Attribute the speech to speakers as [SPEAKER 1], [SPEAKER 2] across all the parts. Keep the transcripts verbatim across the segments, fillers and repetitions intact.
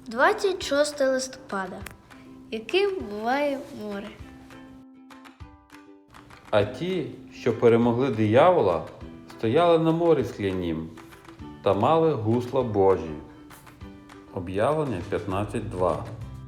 [SPEAKER 1] двадцять шостого листопада. Яким буває море?
[SPEAKER 2] А ті, що перемогли диявола, стояли на морі склянім та мали гусла Божі. Об'явлення п'ятнадцять два.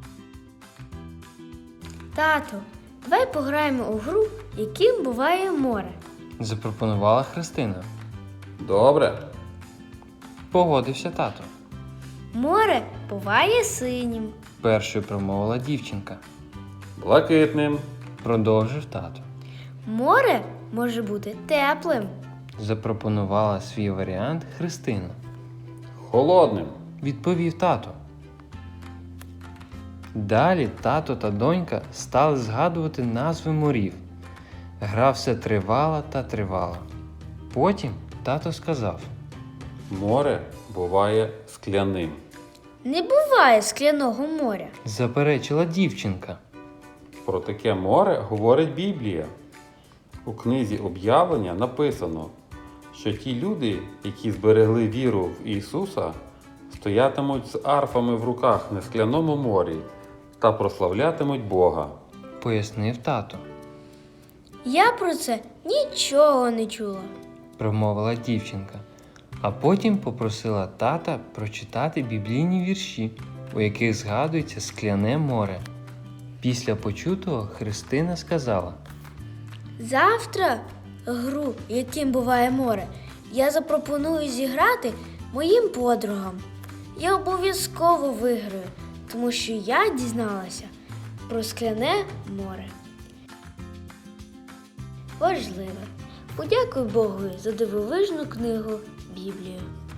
[SPEAKER 1] Тато, давай пограємо у гру, яким буває море.
[SPEAKER 3] Запропонувала Христина.
[SPEAKER 2] Добре.
[SPEAKER 3] Погодився тато.
[SPEAKER 1] Море буває синім.
[SPEAKER 3] Першою промовила дівчинка.
[SPEAKER 2] Блакитним.
[SPEAKER 3] Продовжив тато.
[SPEAKER 1] Море може бути теплим.
[SPEAKER 3] Запропонувала свій варіант Христина.
[SPEAKER 2] Холодним.
[SPEAKER 3] Відповів тато. Далі тато та донька стали згадувати назви морів. Гра все тривала та тривала. Потім тато сказав.
[SPEAKER 2] Море буває скляним.
[SPEAKER 1] Не буває скляного моря.
[SPEAKER 3] Заперечила дівчинка.
[SPEAKER 2] Про таке море говорить Біблія. У книзі Об'явлення написано, що ті люди, які зберегли віру в Ісуса, стоятимуть з арфами в руках на скляному морі та прославлятимуть Бога.
[SPEAKER 3] Пояснив тато.
[SPEAKER 1] Я про це нічого не чула.
[SPEAKER 3] Промовила дівчинка. А потім попросила тата прочитати біблійні вірші, у яких згадується скляне море. Після почутого Христина сказала.
[SPEAKER 1] Завтра гру, яким буває море, я запропоную зіграти моїм подругам. Я обов'язково виграю, тому що я дізналася про скляне море. Важливе. Подякуй Богу за дивовижну книгу Біблію.